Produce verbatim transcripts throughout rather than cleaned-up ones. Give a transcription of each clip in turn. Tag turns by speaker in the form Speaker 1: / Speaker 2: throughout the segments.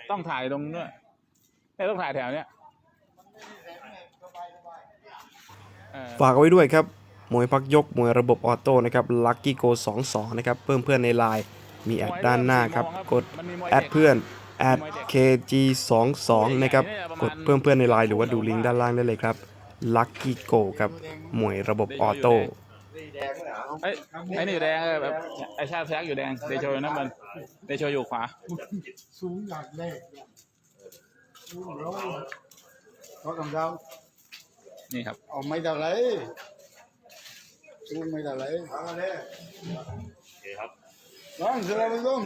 Speaker 1: ต้องถ่ายตรงนู้นไม่ต้องถ่ายแถวเนี้ย
Speaker 2: ฝากเอาไว้ด้วยครับมวยพักยกมวยระบบออโต้นะครับลัคกี้โกสองสองนะครับเพิ่มเพื่อนในไลน์มีแอดด้านหน้าครับกดแอดเพื่อนแอด เค จี สองสองนะครับกดเพิ่มเพื่อนในไลน์หรือว่าดูลิงก์ด้านล่างได้เลยครับลัคกี้โกครับมวยระบบออโต้
Speaker 1: ไอ้ไอ้นี่อยู่แดงแบบไอ้ชาติแท็กอยู่แดงเดโชอยู่น้ำมันเดโชอยู่ขวา
Speaker 3: สูงอยากแรกสูงร้อยเขาทำเรา
Speaker 1: นี่ครับ
Speaker 3: เอาไม่ได้เลยสูงไม่ได้เลยเอาเลยโอเคครับน้องเสร็จแล้วลุง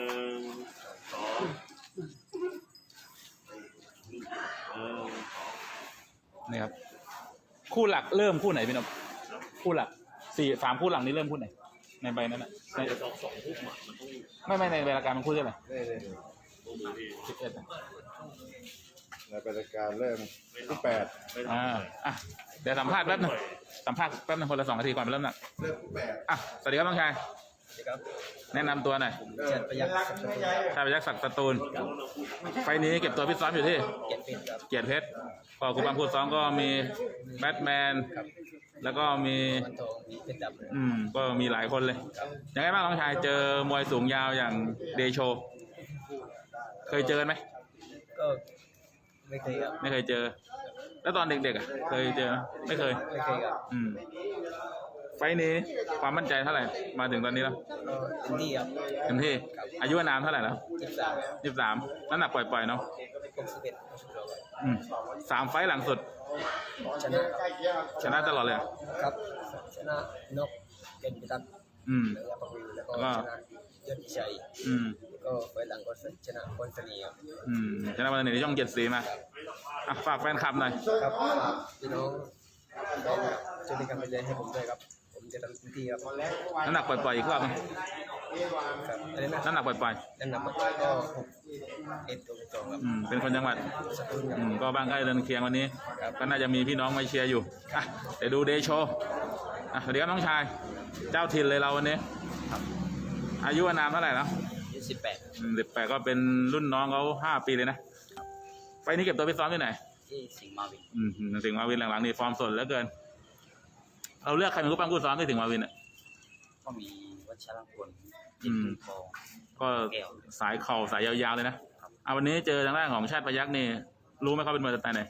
Speaker 1: นี่ครับคู่หลักเริ่มคู่ไหนพี่นพคู่หลักสี่สามคู่หลังนี้เริ่มคู่ไหนในใบนั้นอ่ะในไม่ไม่ในใบรายการมันคู่เท่าไหร่สิบเอ็ด
Speaker 3: ในรายการเริ่มที่แปด
Speaker 1: อ่าอ่ะเดี๋ยวสัมภาษณ์แป๊บนึงสัมภาษณ์แป๊บนึงคนละสองนาทีก่อนไปเริ่มหนัก
Speaker 3: เริ่มที่แปด
Speaker 1: อ่ะสวัสดีครับน้องชายแนะนำตัวหน่อย
Speaker 4: เจ็ดประยักษ์
Speaker 1: ชายประยักษ์ศักดิ์สตูลไฟนี้เก็บตัวพิซ้อมอยู่ที่เกียรติเพชรก็คุณบางพูดซ้อมก็มีแบทแมนแล้วก็มีอืมก็มีหลายคนเลยยังไงบ้างน้องชายเจอมวยสูงยาวอย่างเดโชเคยเจอไหม
Speaker 4: ก็ไม่เคยครับ
Speaker 1: ไม่เคยเจอแล้วตอนเด็กๆอ่ะเคยเจอไม่เคย
Speaker 4: ไม่เคยครับ
Speaker 1: อืมไฟนี้ความมั่นใจเท่าไหร่มาถึงตอนนี้แล้ว
Speaker 4: เต็มที่ครับ
Speaker 1: เต็มที่อายุนามเท่าไหร่แล้ว
Speaker 4: ยี่สิบสาม
Speaker 1: ยี่สิบสามน้ำหนักปล่อยๆเนาะอืมสามไฟหลังสุด
Speaker 4: ชนะ
Speaker 1: ชนะตลอดเลย
Speaker 4: ครับชนะนกเก่งพิทักษ์
Speaker 1: อืม
Speaker 4: แล้วก็ชนะยอดชัย
Speaker 1: อืม
Speaker 4: ก็ไฟหลังก็ชนะคนสนีครับ
Speaker 1: อืมชนะวันนี้ช่องเจ็ดสีมาอ่ะฝากแฟนคลับหน่อย
Speaker 4: ครับพี่น้องช่วยเป็นกำลังใจให้ผมด้วยครับผมจะทำเต็มที่ครับ
Speaker 1: น้ำหนักปล่อยๆอีกรอบนึงน้ำหนักปล่อย
Speaker 4: ๆน้ำหนักปล่อยๆก็หกเอ็ดตัวสองครับ
Speaker 1: อืมเป็นคนจังหวัดอืมก็บ้านใกล้เรือนเคียงวันนี้ก็น่าจะมีพี่น้องมาเชียร์อยู่อ่ะเดี๋ยวดูเดโชอ่ะสวัสดีครับน้องชายเจ้าถิ่นเลยเราวันนี้อายุนามเท่าไหร่แล้ว
Speaker 4: สิบแปด
Speaker 1: สิบแปดก็เป็นรุ่นน้องเขาห้าปีเลยนะไปนี้เก็บตัวไปซ้อมที่ไหน
Speaker 4: ที่สิงห์มาวิน
Speaker 1: อืมสิงห์มาวินหลังๆนี่ฟอร์มสดเหลือเกินเราเลือกใครเป็นผู้ปั้มผู้ซ้อมที่สิงห์มาวินอ่ะ
Speaker 4: ก็มีวัชรพล
Speaker 1: อืมก็สายเข่าสายยาวๆเลยนะเอาวันนี้เจอทางด้านของชาติพยัคฆ์นี่รู้ไหมเขาเป็นมวยสไตล์ไหน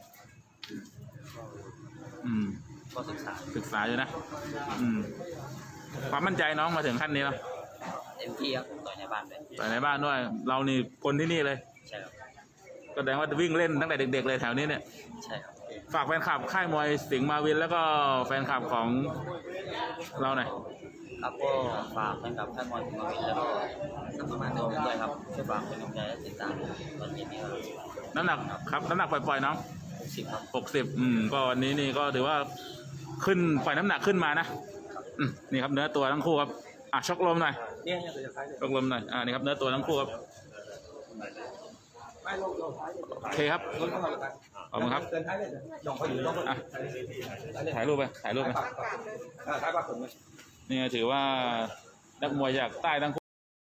Speaker 1: อืม
Speaker 4: ก็ศึกษา
Speaker 1: ศึกษาอยู่นะอืมความมั่นใจน้องมาถึงขั้นนี้แล้ว
Speaker 4: เต็มที่ครับต่อยในบ้านเลย
Speaker 1: ต่อยในบ้านด้วยเรานี่คนที่นี่เลย
Speaker 4: ใช่ครับ
Speaker 1: ก็แสดงว่าวิ่งเล่นตั้งแต่เด็กๆเลยแถวนี้เนี่ย
Speaker 4: ใช่ครับ
Speaker 1: ฝากแฟนคลับค่ายมวยสิงห์มาวินแล้วก็แฟนคลับของเราหน่อย
Speaker 4: ครับก็ฝากแฟนคลับค่ายมวยสิงห์มาวินแล้วก็สัมมาเดิมด้วยครับช่วยฝากเป็นกำลังใจและติดตามตอนเย็นนี้ครับ
Speaker 1: น้ำหนักครับน้ำหนักปล่อยๆน้อง
Speaker 4: หกสิบครับ
Speaker 1: หกสิบอืมก็วันนี้นี่ก็ถือว่าขึ้นปล่อยน้ำหนักขึ้นมานะอืมนี่ครับเนื้อตัวทั้งคู่ครับอ่ะชกลมหน่อยชกลมหน่อยอ่านี่ครับเนื้อตัวทั้งคู่ครับโอเคครับขอบคุณครับอ่ะถ่ายรูปไปถ่ายรูปไปนี่ถือว่านักมวยจากใต้ทั้งคู่